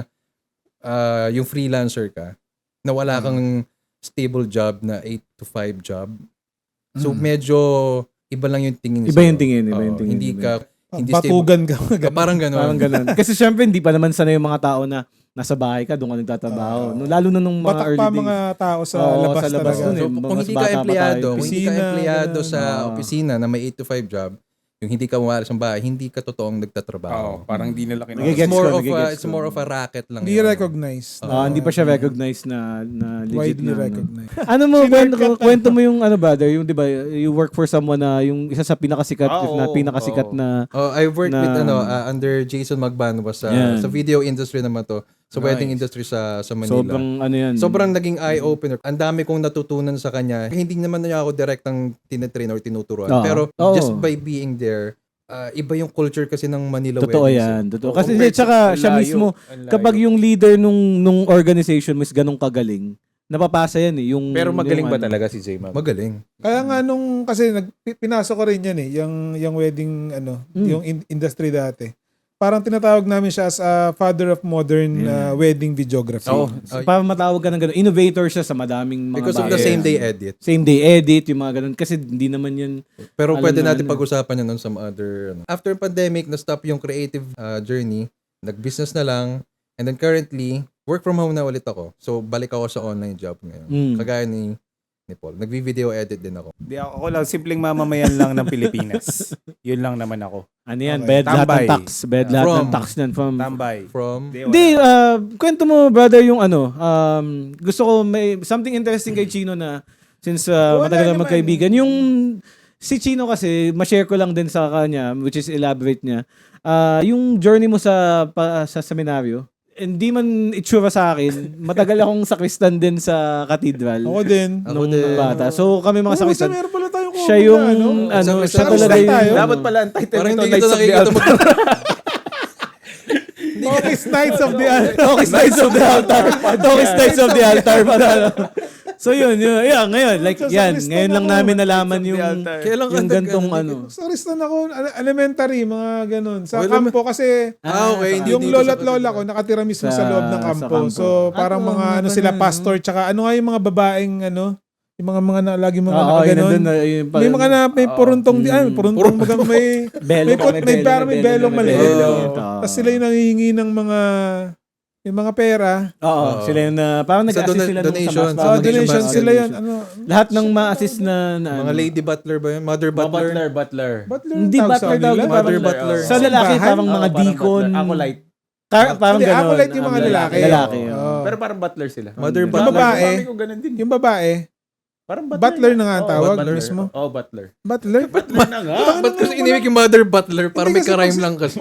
Speaker 4: uh, yung freelancer ka, na wala kang stable job na eight to five job. So,
Speaker 3: Mm.
Speaker 4: medyo iba lang yung tingin
Speaker 2: Iba yung
Speaker 4: sa'yo.
Speaker 2: tingin, iba
Speaker 4: Oo,
Speaker 2: yung tingin,
Speaker 4: Hindi
Speaker 2: iba.
Speaker 4: ka, hindi stable.
Speaker 3: Patugan ka.
Speaker 4: Ka- Parang gano'n.
Speaker 2: Parang ganun. Kasi syempre, hindi pa naman sanay yung mga tao na nasa bahay ka, doon ka nagtatrabaho. No, lalo na nung mga
Speaker 3: Batak
Speaker 2: early
Speaker 3: pa
Speaker 2: days.
Speaker 3: mga tao sa
Speaker 2: Oo,
Speaker 3: labas
Speaker 2: sa labas
Speaker 3: talaga.
Speaker 2: dun eh.
Speaker 4: So,
Speaker 2: Mas
Speaker 4: kung hindi
Speaker 2: bata
Speaker 4: ka
Speaker 2: pa
Speaker 4: empleyado,
Speaker 2: tayo.
Speaker 4: kung hindi ka
Speaker 3: Opisina,
Speaker 4: empleyado
Speaker 3: ganun.
Speaker 4: sa
Speaker 2: Ah.
Speaker 4: opisina na may eight to five job, yung hindi ka umalis ng bahay, hindi ka totoong
Speaker 1: Oo,
Speaker 4: nagtatrabaho.
Speaker 1: parang di nila
Speaker 2: Nagigets
Speaker 1: kinakasama.
Speaker 4: It's more
Speaker 2: ko,
Speaker 4: of a,
Speaker 2: nagigets
Speaker 4: it's
Speaker 2: ko.
Speaker 4: more of a racket lang.
Speaker 3: Hindi
Speaker 4: yun.
Speaker 3: recognized.
Speaker 2: Ah, hindi pa siya recognized na, na legit
Speaker 3: Widely
Speaker 2: na. ano.
Speaker 3: recognized.
Speaker 2: Ano mo,
Speaker 3: Sinurkat
Speaker 2: kwento,
Speaker 3: ka.
Speaker 2: kwento mo yung ano brother, yung 'di ba, you work for someone na yung isa sa pinakasikat,
Speaker 1: Ah,
Speaker 2: if not
Speaker 1: oo,
Speaker 2: pinakasikat
Speaker 1: oo.
Speaker 2: na
Speaker 4: Oh, I worked
Speaker 2: Na-
Speaker 4: with ano uh, under Jason Magban was sa
Speaker 2: Yan.
Speaker 4: sa video industry naman to. Sa
Speaker 1: Nice.
Speaker 4: wedding industry sa sa Manila.
Speaker 2: sobrang ano yan.
Speaker 4: Sobrang naging eye-opener. Ang dami kong natutunan sa kanya. Hindi naman niya ako direktang tinetrain or tinuturuan.
Speaker 2: Oo.
Speaker 4: Pero
Speaker 2: Oo.
Speaker 4: just by being there, ah, iba yung culture kasi ng Manila
Speaker 2: Totoo
Speaker 4: weddings.
Speaker 2: yan,
Speaker 4: eh.
Speaker 2: totoo.
Speaker 1: Oo,
Speaker 2: Kasi
Speaker 1: compared
Speaker 2: tsaka
Speaker 1: sa-
Speaker 2: siya
Speaker 1: ang layo,
Speaker 2: mismo,
Speaker 1: ang layo.
Speaker 2: kapag yung leader nung nung organization mo is ganong kagaling, napapasa yan eh. Yung,
Speaker 1: Pero magaling
Speaker 2: yung
Speaker 1: ba
Speaker 2: ano.
Speaker 1: talaga si J Mag?
Speaker 4: Magaling.
Speaker 3: Kaya nga nung, kasi nag, pi- pinasok ko rin yan eh, yung, yung wedding, ano,
Speaker 2: Mm.
Speaker 3: yung in- industry dati. Parang tinatawag namin siya as a father of modern uh, wedding videography.
Speaker 1: Oo.
Speaker 2: So, para matawag ka ng gano'n, innovator siya sa madaming mga
Speaker 4: Because of
Speaker 2: bagay.
Speaker 4: the
Speaker 1: bagay.
Speaker 4: same day edit.
Speaker 2: Same day edit, yung mga ganun. Kasi hindi naman yan,
Speaker 4: Pero
Speaker 2: Alam
Speaker 4: pwede
Speaker 2: na
Speaker 4: natin
Speaker 2: ano.
Speaker 4: pag-usapan yan on some other... Ano. After pandemic, na-stop yung creative uh, journey. Nag-business na lang. And then currently, work from home na ulit ako. So, balik ako sa online job ngayon.
Speaker 2: Mm.
Speaker 4: Kagaya ni, ni Paul. Nagvi-video edit din ako.
Speaker 1: Di ako, ako lang, simpleng mamamayan lang ng Pilipinas. Yun lang naman ako.
Speaker 2: ano yan,
Speaker 3: Okay.
Speaker 2: bed lahat ng
Speaker 1: Tambay.
Speaker 2: tax. Bed lahat ng
Speaker 4: From-
Speaker 2: tax yan. From,
Speaker 1: Tambay.
Speaker 4: From...
Speaker 1: Di,
Speaker 2: Hindi,
Speaker 1: wala.
Speaker 2: uh, kwento mo, brother, yung ano, um, gusto ko may something interesting kay Chino na since uh,
Speaker 3: Wala
Speaker 2: matagal na
Speaker 3: naman.
Speaker 2: magkaibigan. Yung si Chino kasi, ma-share ko lang din sa kanya, which is elaborate niya, uh, yung journey mo sa pa, sa seminaryo, hindi man itsura sa akin, matagal akong sakristan din sa cathedral
Speaker 3: Ako din.
Speaker 4: Ako
Speaker 2: nung
Speaker 4: din.
Speaker 2: bata. So kami mga
Speaker 3: Oo,
Speaker 2: sakristan,
Speaker 3: sa meron pala tayong
Speaker 2: siya
Speaker 3: kumula,
Speaker 2: yung,
Speaker 3: no?
Speaker 2: ano,
Speaker 4: Sa-
Speaker 2: siya
Speaker 4: sa-
Speaker 2: talaga
Speaker 3: sa-
Speaker 2: yung,
Speaker 3: tayo.
Speaker 2: ano,
Speaker 1: Dapat pala ang title
Speaker 4: Parang
Speaker 1: nito,
Speaker 4: hindi kita
Speaker 1: Knights of the
Speaker 4: nakikita
Speaker 1: Altar.
Speaker 4: mag...
Speaker 3: Tokis Knights of the Altar.
Speaker 2: Tokis Knights of the Altar. Tokis Knights of the Altar. Parang, so yun, yun, yeah, ngayon, like,
Speaker 3: Sa
Speaker 2: yan,
Speaker 3: Kristan
Speaker 2: ngayon lang
Speaker 3: ako.
Speaker 2: namin nalaman
Speaker 1: Knights of the
Speaker 2: yung,
Speaker 1: Altar.
Speaker 4: Kailan ka
Speaker 2: yung
Speaker 4: nag-
Speaker 2: gantong
Speaker 4: ano,
Speaker 2: ano.
Speaker 3: Sa Kristan ako, ele- elementary, mga ganun. Sa
Speaker 4: Okay,
Speaker 3: kampo kasi,
Speaker 4: Ah, okay. Hindi
Speaker 3: yung
Speaker 4: dito
Speaker 3: lola
Speaker 4: sa
Speaker 3: at lola
Speaker 4: Pilipinas.
Speaker 3: ko nakatira mismo sa,
Speaker 2: Sa-
Speaker 3: loob ng
Speaker 2: sa
Speaker 3: kampo.
Speaker 2: kampo.
Speaker 3: So, parang
Speaker 2: Ah,
Speaker 3: mga
Speaker 2: oo,
Speaker 3: ano
Speaker 2: ganun,
Speaker 3: sila,
Speaker 2: no?
Speaker 3: pastor, tsaka ano nga yung mga babaeng, ano, yung mga mga na, lagi mga
Speaker 2: Oo, yun,
Speaker 3: nakaganon.
Speaker 2: nandun na, yun,
Speaker 3: May mga na, may
Speaker 1: Oo.
Speaker 3: puruntong, di, ay,
Speaker 2: Mm.
Speaker 3: puruntong bagang may,
Speaker 2: Belo,
Speaker 3: may pot- may parang may belo maliit.
Speaker 2: Oo.
Speaker 3: tapos sila yung nangihingi ng mga, yung mga pera.
Speaker 2: Oo,
Speaker 4: Oo.
Speaker 2: sila yung na, parang
Speaker 4: Sa
Speaker 2: nag-assist
Speaker 4: dona-
Speaker 2: sila nung
Speaker 4: donation,
Speaker 2: sa
Speaker 4: sa
Speaker 2: mas-
Speaker 3: Oh,
Speaker 4: donation
Speaker 3: donation
Speaker 4: basket.
Speaker 3: sila yan. Ano,
Speaker 2: Lahat ng ma-assist na, na
Speaker 4: Mga
Speaker 2: ano.
Speaker 4: lady butler ba yun? Mother
Speaker 1: Mga
Speaker 4: butler?
Speaker 1: Butler, butler.
Speaker 3: butler
Speaker 2: Hindi
Speaker 3: ang tawag
Speaker 2: butler
Speaker 3: sa
Speaker 2: daw,
Speaker 3: kanila?
Speaker 4: Mother
Speaker 1: Butler,
Speaker 4: butler.
Speaker 1: oo.
Speaker 2: Sa lalaki,
Speaker 3: Simbahan?
Speaker 2: parang
Speaker 1: Oo,
Speaker 2: mga
Speaker 1: parang
Speaker 2: deacon.
Speaker 1: butler. Acolyte.
Speaker 2: Tar- parang
Speaker 3: Hindi,
Speaker 2: gano'n.
Speaker 3: acolyte yung mga
Speaker 2: Ah,
Speaker 3: lalaki.
Speaker 2: Lalaki.
Speaker 3: Oo.
Speaker 2: oo.
Speaker 1: Pero parang butler sila.
Speaker 4: Mother
Speaker 2: Yung
Speaker 3: Yung
Speaker 4: butler.
Speaker 3: babae,
Speaker 1: Mami ko ganun din.
Speaker 3: yung babae,
Speaker 1: Parang
Speaker 3: butler na nga ang
Speaker 1: Oo,
Speaker 3: tawag
Speaker 1: butler.
Speaker 3: mismo.
Speaker 1: Oo, butler.
Speaker 3: butler?
Speaker 1: Butler na nga.
Speaker 4: Ba't kasi inimik yung mother butler? Parang
Speaker 3: Hindi
Speaker 4: may
Speaker 3: kasi
Speaker 4: karime
Speaker 3: pag-
Speaker 4: lang kasi.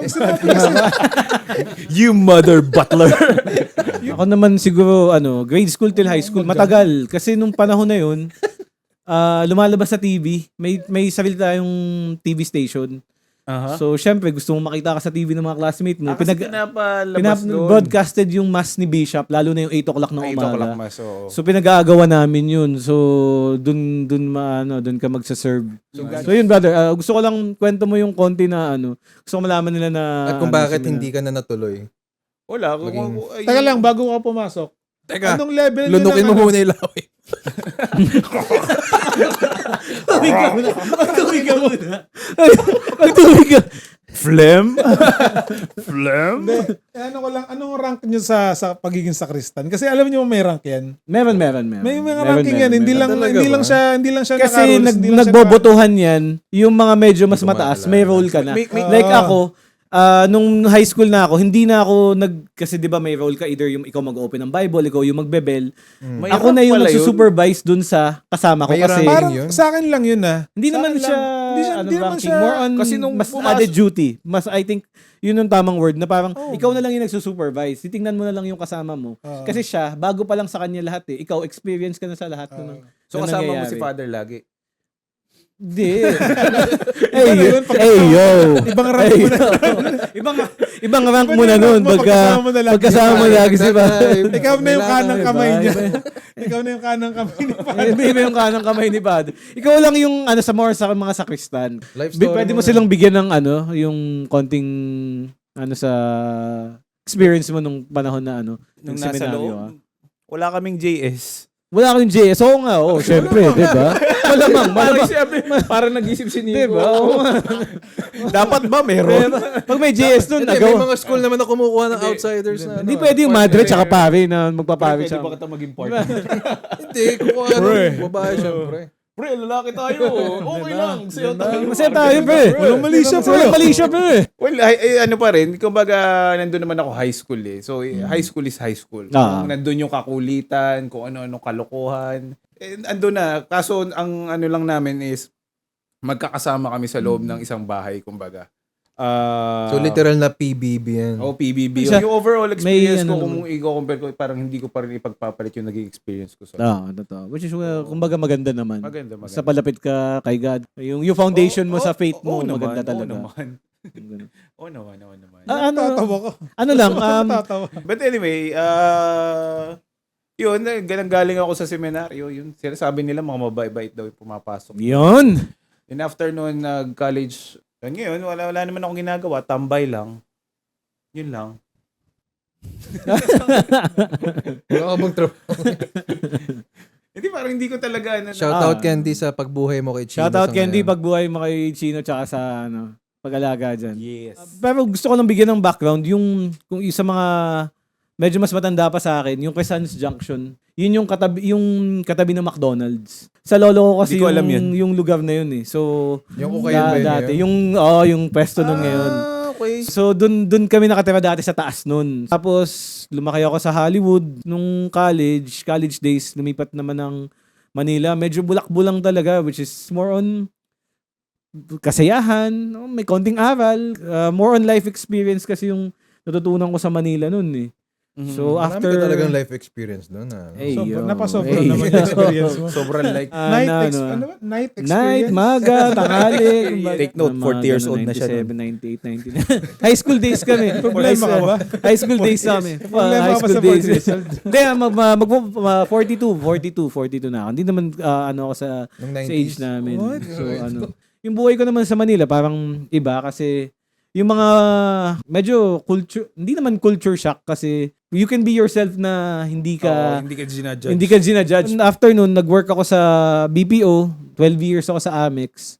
Speaker 1: You mother butler.
Speaker 2: Ako naman siguro, ano, grade school till high school, matagal. Kasi nung panahon na yun, ah, lumalabas sa T V. May, may sarili tayong T V station.
Speaker 1: Aha.
Speaker 2: So, syempre, gusto mo makita ka sa T V ng mga classmate mo.
Speaker 1: Ah, kasi
Speaker 2: Pinag-
Speaker 1: pinapalabas
Speaker 2: pinap-
Speaker 1: doon.
Speaker 2: broadcasted yung mass ni Bishop, lalo na yung eight o'clock ng
Speaker 1: Ay, ito
Speaker 2: umaga.
Speaker 1: ko lang mas. oo.
Speaker 2: So pinag-aagawa namin yun. So dun dun maano, dun ka magsa-serve. So, so yun brother, ah, gusto ko lang kwento mo yung konti na ano. Gusto ko malaman nila na
Speaker 4: At kung
Speaker 2: ano,
Speaker 4: bakit
Speaker 2: sila-
Speaker 4: hindi ka na natuloy.
Speaker 1: Wala. Kung,
Speaker 4: Maging-
Speaker 1: ay-
Speaker 3: Teka lang, bago ka pumasok.
Speaker 4: Teka,
Speaker 3: Anong level nyo
Speaker 4: lunukin
Speaker 3: ng
Speaker 4: mo
Speaker 3: ano?
Speaker 4: muna yung laway.
Speaker 2: Tubig ka muna. Tubig ka muna. Tubig ka. Phlegm? Phlegm?
Speaker 3: Hindi. Eh, ano ko lang, anong rank nyo sa sa pagiging sakristan? Kasi alam niyo may rank yan.
Speaker 2: Meron, meron, meron.
Speaker 3: May mga
Speaker 2: Meron,
Speaker 3: ranking
Speaker 2: meron,
Speaker 3: yan. Hindi
Speaker 2: meron.
Speaker 3: lang
Speaker 4: Talaga
Speaker 3: hindi
Speaker 4: ba?
Speaker 3: lang siya hindi lang siya
Speaker 2: Kasi
Speaker 3: naka-rules,
Speaker 2: nag,
Speaker 3: hindi lang siya
Speaker 2: nagbobotohan yan, yung mga medyo mas
Speaker 4: Hindi ko
Speaker 2: mataas,
Speaker 4: maalala.
Speaker 2: may role ka na.
Speaker 1: May- may-
Speaker 2: Like
Speaker 3: Ah.
Speaker 2: ako, ah, nung high school na ako, hindi na ako nag, kasi di ba may role ka, either yung ikaw mag-open ng Bible, ikaw yung magbebel.
Speaker 1: May
Speaker 2: Ako na
Speaker 1: rank
Speaker 2: yung
Speaker 1: pala yun.
Speaker 2: nagsusupervise dun sa kasama ko
Speaker 4: May
Speaker 2: kasi
Speaker 4: ranking
Speaker 3: Parang
Speaker 4: yun?
Speaker 3: sa akin lang yun ah.
Speaker 2: hindi
Speaker 3: Sa
Speaker 2: naman
Speaker 3: akin
Speaker 2: siya,
Speaker 3: lang. Hindi siya-
Speaker 2: ano,
Speaker 3: hindi naman
Speaker 2: ranking,
Speaker 3: siya-
Speaker 2: more on
Speaker 1: kasi nung
Speaker 2: mas
Speaker 1: pumasok-
Speaker 2: added duty. Mas, I think, yun yung tamang word na parang
Speaker 3: Oh.
Speaker 2: ikaw na lang yung nagsusupervise. Titingnan mo na lang yung kasama mo.
Speaker 3: Oo.
Speaker 2: Kasi siya, bago pa lang sa kanya lahat eh. Ikaw, experience ka na sa lahat.
Speaker 3: Oo.
Speaker 2: nun.
Speaker 1: So
Speaker 2: na
Speaker 1: kasama mo
Speaker 2: nangyayari.
Speaker 1: si Father lagi.
Speaker 2: Hindi.
Speaker 3: Iba
Speaker 2: hey,
Speaker 3: na
Speaker 2: yo.
Speaker 3: yun, pag-
Speaker 2: Hey, yo.
Speaker 3: Ibang rank
Speaker 2: Hey,
Speaker 3: mo na.
Speaker 2: yo. ibang, ibang rank
Speaker 3: Iba
Speaker 2: mo
Speaker 3: na
Speaker 2: na
Speaker 3: yung
Speaker 2: nun.
Speaker 3: rank mo
Speaker 2: Pagka,
Speaker 3: pagkasama mo na lagi.
Speaker 2: pagkasama mo lagi si ba?
Speaker 3: Ikaw na yung kanang kamay niya.
Speaker 2: Iba-
Speaker 3: Ikaw na yung kanang kamay ni Father.
Speaker 2: Iba iba yung kanang kamay ni Bad. Ikaw lang yung ano sa more sa mga sakristan.
Speaker 4: Life
Speaker 2: Bi-
Speaker 4: story
Speaker 2: Pwede mo
Speaker 4: mo na.
Speaker 2: silang bigyan ng ano, yung konting ano sa experience mo nung panahon na ano,
Speaker 1: Nung
Speaker 2: yung
Speaker 1: nasa
Speaker 2: seminaryo,
Speaker 1: loob,
Speaker 2: ah.
Speaker 1: wala kaming J S.
Speaker 2: Wala kang J S. Oo nga, oo, syempre, di ba? Malamang,
Speaker 1: Parang
Speaker 2: malamang.
Speaker 1: siyempre, parang nag-isip si Nico.
Speaker 2: Di ba? Oo nga.
Speaker 1: Dapat ba meron?
Speaker 2: Pag may J S dun,
Speaker 4: Hindi, may
Speaker 2: nagawa.
Speaker 4: mga school naman na kumukuha ng
Speaker 1: Hindi.
Speaker 4: outsiders na.
Speaker 2: Hindi
Speaker 4: ano,
Speaker 2: pwede yung madre
Speaker 4: partner.
Speaker 2: tsaka pare na magpapare
Speaker 1: Pwede
Speaker 2: siya.
Speaker 1: ba kita maging partner?
Speaker 4: Hindi, kukuha ng babae syempre.
Speaker 1: Pre, lalaki tayo. Okay lang. Sayo tayo.
Speaker 2: Masaya tayo, pre.
Speaker 3: Walang mali siya, pre.
Speaker 2: Walang mali siya, pre.
Speaker 1: Well, ay, ay, ano pa rin, kumbaga, nandun naman ako high school eh. So, eh, high school is high school.
Speaker 2: Ah.
Speaker 1: Kung nandun yung kakulitan, kung ano-ano kalokohan. Eh, andun na. Kaso, ang ano lang namin is, magkakasama kami sa loob ng isang bahay, kumbaga. Ah,
Speaker 4: So literal na P B B yan.
Speaker 1: Oh, P B B.
Speaker 2: Siya-
Speaker 1: Yung overall experience
Speaker 2: ano
Speaker 1: ko, kung i-compare ko, parang hindi ko pa rin ipagpapalit yung naging experience ko sa...
Speaker 2: Ah, totoo. Which is, uh, kumbaga maganda naman.
Speaker 1: Maganda, maganda.
Speaker 2: Sa palapit ka kay God. Yung, yung foundation mo
Speaker 1: Oo,
Speaker 2: sa faith
Speaker 1: oo,
Speaker 2: mo,
Speaker 1: oo
Speaker 2: maganda
Speaker 1: naman,
Speaker 2: talaga.
Speaker 1: Oo naman. Oo naman, oo naman.
Speaker 2: Ah, ano,
Speaker 3: Tatawa ko.
Speaker 2: ano lang, um,
Speaker 3: Tatawa.
Speaker 1: But anyway, uh, yun, eh, galing galing ako sa seminaryo, yun, sinasabi nila mga mabait daw yung pumapasok.
Speaker 2: yun.
Speaker 1: And after noon, nag-college, yun, ngayon, wala, wala naman akong ginagawa, tambay lang. Yun lang.
Speaker 4: Wala ka bang trabaho?
Speaker 1: Hindi, parang hindi ko talaga, ano,
Speaker 4: Shoutout
Speaker 2: Ah.
Speaker 4: Candy sa pagbuhay mo kay Chino.
Speaker 2: Shoutout
Speaker 4: sa
Speaker 2: Candy,
Speaker 4: ngayon.
Speaker 2: pagbuhay mo kay Chino tsaka sa ano, pag-alaga dyan.
Speaker 1: yes.
Speaker 2: Pero gusto ko lang bigyan ng background, yung kung isa mga medyo mas matanda pa sa akin, yung Quezon's Junction. Yun yung katabi, yung katabi ng McDonald's. Sa lolo ko kasi
Speaker 1: Hindi ko
Speaker 2: yung,
Speaker 1: alam yun.
Speaker 2: yung lugar na yun eh. So,
Speaker 4: Yung Ukayan ba
Speaker 2: da-
Speaker 4: yun
Speaker 2: dati,
Speaker 4: ngayon?
Speaker 2: yung, oh, yung pwesto nun ngayon.
Speaker 1: Ah, okay.
Speaker 2: So, dun, dun kami nakatira dati sa taas nun. Tapos, lumaki ako sa Hollywood nung college, college days, lumipat naman ng Manila. Medyo bulak-bulang talaga, which is more on kasayahan, no? May konting aral, uh, more on life experience kasi yung natutunan ko sa Manila nun eh. So
Speaker 4: Marami
Speaker 2: after
Speaker 4: ka talagang life experience doon. Ah.
Speaker 2: Hey,
Speaker 3: Sobra,
Speaker 2: yo.
Speaker 3: napasobra
Speaker 2: Hey,
Speaker 3: naman
Speaker 2: yo.
Speaker 3: yung experience mo.
Speaker 1: Sobrang like.
Speaker 2: Ah,
Speaker 3: night,
Speaker 2: na,
Speaker 3: ex-
Speaker 2: ano,
Speaker 3: ano ba? Night experience?
Speaker 2: Night, maga, tanghali. kumbaga.
Speaker 1: Take note,
Speaker 2: Mga
Speaker 1: forty years
Speaker 2: ganun,
Speaker 1: old na siya nun.
Speaker 2: ninety-seven, ninety-eight, ninety-nine High school days kami.
Speaker 3: Problema ka ba?
Speaker 2: High school days kami.
Speaker 3: Problema
Speaker 2: High
Speaker 3: ka ba
Speaker 2: school
Speaker 3: sa
Speaker 2: days.
Speaker 3: forty years old?
Speaker 2: Hindi, ah, mag, mag, mag, mag, forty-two, forty-two, forty-two na ako. Hindi naman ah, ano ako sa,
Speaker 4: Nung
Speaker 2: sa
Speaker 4: nineties.
Speaker 2: age namin.
Speaker 3: What?
Speaker 2: So ano, yung buhay ko naman sa Manila parang iba kasi yung mga medyo culture, hindi naman culture shock kasi you can be yourself na hindi
Speaker 1: Oo,
Speaker 2: ka
Speaker 1: hindi ka ginajudge.
Speaker 2: hindi ka ginajudge. After nun, nag-work ako sa B P O, twelve years ako sa Amex.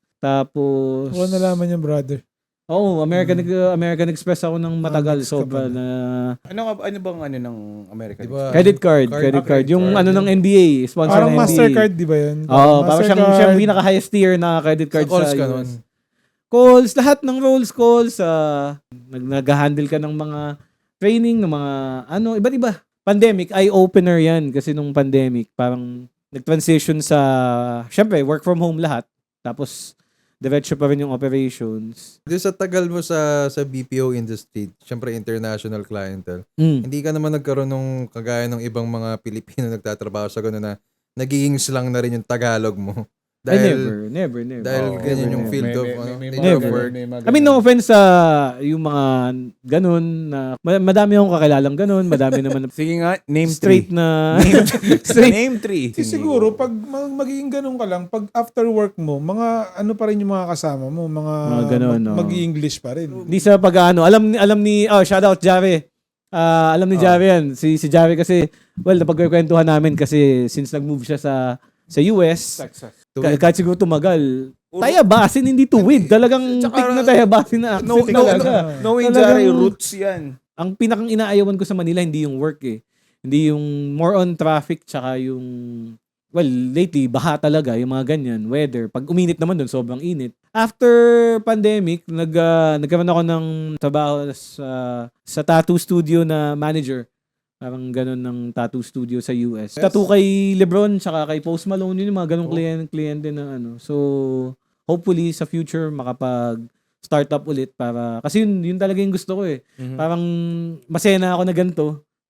Speaker 2: Tapos
Speaker 3: Wala nalaman yung brother.
Speaker 2: Oo, American American Express ako ng matagal,
Speaker 3: Amex ka
Speaker 2: sobra
Speaker 3: pala.
Speaker 2: na
Speaker 1: Ano nga ano bang ano ng American
Speaker 4: Diba?
Speaker 1: Express?
Speaker 2: credit card,
Speaker 4: Card-
Speaker 2: credit
Speaker 4: ah,
Speaker 2: card.
Speaker 4: credit
Speaker 2: Yung
Speaker 4: card,
Speaker 2: ano
Speaker 4: yun.
Speaker 2: ng N B A, sponsor
Speaker 3: Parang
Speaker 2: ng N B A.
Speaker 3: Mastercard, di ba yun?
Speaker 2: Oo, parang siyang,
Speaker 3: Mastercard.
Speaker 2: siyang pinaka highest tier na credit
Speaker 4: Sa
Speaker 2: card sa,
Speaker 4: calls ka
Speaker 2: U S.
Speaker 4: nun.
Speaker 2: Calls, lahat ng roles calls, uh, nag nag-handle ka ng mga training, ng mga ano, iba't iba. Pandemic, eye-opener yan kasi nung pandemic, parang nag-transition sa, syempre, work from home lahat. Tapos, diretso pa rin yung operations.
Speaker 4: Di sa tagal mo sa sa B P O industry, syempre international clientele,
Speaker 2: Mm.
Speaker 4: hindi ka naman nagkaroon ng kagaya ng ibang mga Pilipino nagtatrabaho sa gano'n na nagiging slang na rin yung Tagalog mo.
Speaker 2: Ay,
Speaker 4: Dahil,
Speaker 2: never, never, never.
Speaker 4: dahil
Speaker 1: Oo,
Speaker 4: ganyan
Speaker 2: never,
Speaker 4: yung
Speaker 2: never.
Speaker 4: field
Speaker 1: May-
Speaker 4: of
Speaker 1: may-
Speaker 4: ano,
Speaker 1: may- may
Speaker 4: nature
Speaker 1: mga
Speaker 4: of
Speaker 2: Never.
Speaker 4: work.
Speaker 1: may mga
Speaker 2: I mean, no
Speaker 1: ganun.
Speaker 2: offense sa yung mga ganun na ma- madami akong kakilalang ganun, madami naman na
Speaker 1: Sige nga, name
Speaker 2: straight
Speaker 1: three.
Speaker 2: na
Speaker 1: Name,
Speaker 2: straight.
Speaker 1: name three.
Speaker 3: Kasi siguro, pag mag- magiging ganun ka lang, pag after work mo, mga ano pa rin yung mga kasama mo, mga,
Speaker 2: Mga ganun,
Speaker 3: mag-
Speaker 2: no.
Speaker 3: mag-i-English pa rin.
Speaker 2: Hindi sa pag-ano, alam ni alam ni oh, shout out Jave. Ah, alam ni
Speaker 1: Oh.
Speaker 2: Jave yan. Si si Jave kasi well, napagkwentuhan namin kasi since nag-move siya sa sa U S,
Speaker 1: Texas.
Speaker 2: ka- kahit siguro tumagal. Tayabasin, hindi tuwid. Talagang
Speaker 1: Tsaka,
Speaker 2: tik na tayabasin na
Speaker 1: No,
Speaker 2: accent
Speaker 1: no,
Speaker 2: talaga.
Speaker 1: no, no,
Speaker 2: Talagang-
Speaker 1: Jare, roots yan.
Speaker 2: Ang pinakang inaayawan ko sa Manila, hindi yung work eh. Hindi yung more on traffic tsaka yung, well, lately, baha talaga, yung mga ganyan, weather. Pag uminit naman doon, sobrang init. After pandemic, nag, ah, nagkaroon ako ng trabaho sa, sa tattoo studio na manager. Parang ganun ng tattoo studio sa U S. Tattoo kay Lebron tsaka kay Post Malone, yun yung mga ganung
Speaker 1: Oh.
Speaker 2: kliyente, kliyente na ano. So, hopefully sa future makapag start up ulit para kasi yun yun talaga yung gusto ko eh. Parang masaya na ako na ganito.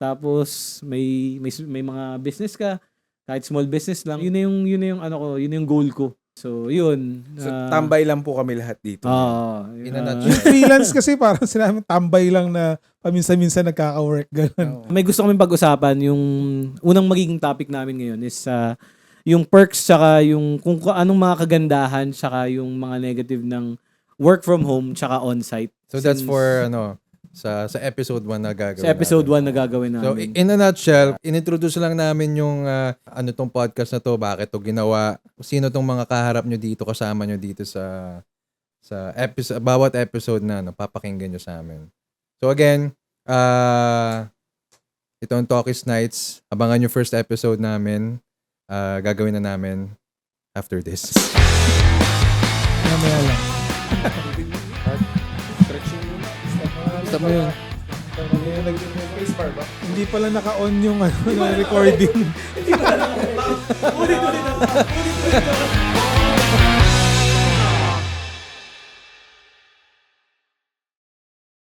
Speaker 2: Tapos may may may mga business ka, kahit small business lang. Yun na yung yun na yung ano ko, yun na yung goal ko. So, yun.
Speaker 1: So,
Speaker 2: ah,
Speaker 1: tambay lang po kami lahat dito.
Speaker 2: Ah,
Speaker 4: In a
Speaker 2: ah,
Speaker 4: nutshell.
Speaker 3: Yung freelance kasi parang sila tambay lang na paminsan-minsan nagkaka-work. Ganun.
Speaker 1: Oo.
Speaker 2: may gusto kaming pag-usapan. Yung unang magiging topic namin ngayon is ah, yung perks tsaka yung kung ka- anong mga kagandahan tsaka yung mga negative ng work from home tsaka on-site.
Speaker 4: So that's
Speaker 2: Since-
Speaker 4: for ano sa sa episode one na gagawin.
Speaker 2: sa episode
Speaker 4: natin.
Speaker 2: one na gagawin
Speaker 4: So
Speaker 2: namin.
Speaker 4: in a nutshell, inintroduce lang namin yung ah, ano tong podcast na to, bakit to ginawa, sino tong mga kaharap nyo dito, kasama nyo dito sa sa episode, bawat episode na no, papakinggan nyo sa amin. So again, uh, itong Talkies Nights, abangan yung first episode namin. Ah, gagawin na namin after this.
Speaker 3: Mamaya lang.
Speaker 4: Stop mo yun.
Speaker 3: Hindi pala naka-on yung ano, na recording.
Speaker 2: Ulit, ulit, ulit.